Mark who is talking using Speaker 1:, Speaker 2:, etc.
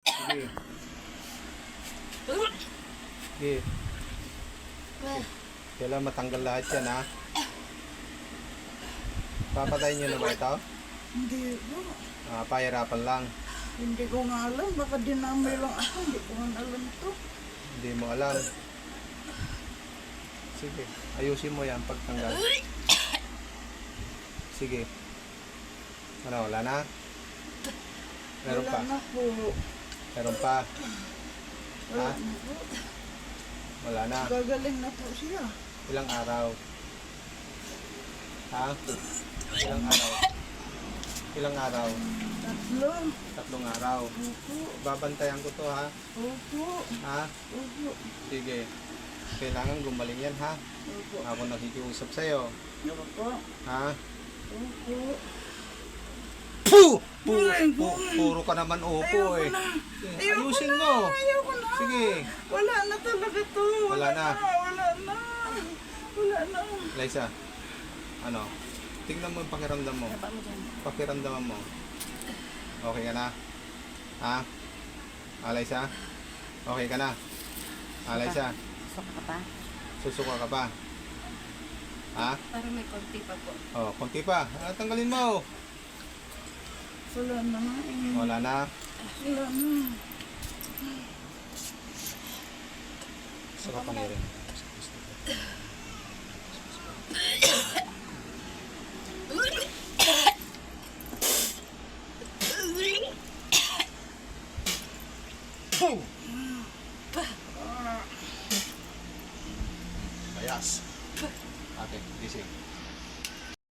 Speaker 1: Sige. Sige. Kailangan matanggal lahat yan, ha? Papatayin nyo na ba ito?
Speaker 2: Hindi po.
Speaker 1: Pahirapan lang.
Speaker 2: Hindi ko nga alam. Baka dinamay lang ako. Hindi ko nga alam to.
Speaker 1: Hindi mo alam. Sige. Ayusin mo yan pagtanggal. Sige. Ano, wala na? Meron
Speaker 2: Wala
Speaker 1: pa?
Speaker 2: na po.
Speaker 1: Meron pa?
Speaker 2: Wala
Speaker 1: Ha?
Speaker 2: na po.
Speaker 1: Wala na.
Speaker 2: Gagaling na po siya.
Speaker 1: Ilang araw? Ha? Ilang araw? Ilang araw?
Speaker 2: 3.
Speaker 1: 3 araw.
Speaker 2: Opo.
Speaker 1: Babantayan ko to, ha?
Speaker 2: Opo.
Speaker 1: Ha?
Speaker 2: Opo.
Speaker 1: Sige. Kailangan gumaling yan, ha?
Speaker 2: Opo.
Speaker 1: Ako nakikiusap sa'yo.
Speaker 2: Opo.
Speaker 1: Ha?
Speaker 2: Opo.
Speaker 1: Puro ka naman opo eh. Ayusin mo.
Speaker 2: Ayoko na.
Speaker 1: Sige.
Speaker 2: Wala na talaga to.
Speaker 1: Wala na.
Speaker 2: Wala na. Wala na.
Speaker 1: Liza, ano? Tingnan mo yung pakiramdam mo. Pakiramdaman mo. Okay ka na? Ha? Liza? Okay ka na? Liza?
Speaker 3: Suka ka pa?
Speaker 1: Susuka ka pa? Ha?
Speaker 3: Parang may konti pa po.
Speaker 1: Oh, konti pa. Tanggalin mo.
Speaker 2: Wala na.
Speaker 1: Wala na.
Speaker 2: Wala na.
Speaker 1: Saka pa rin.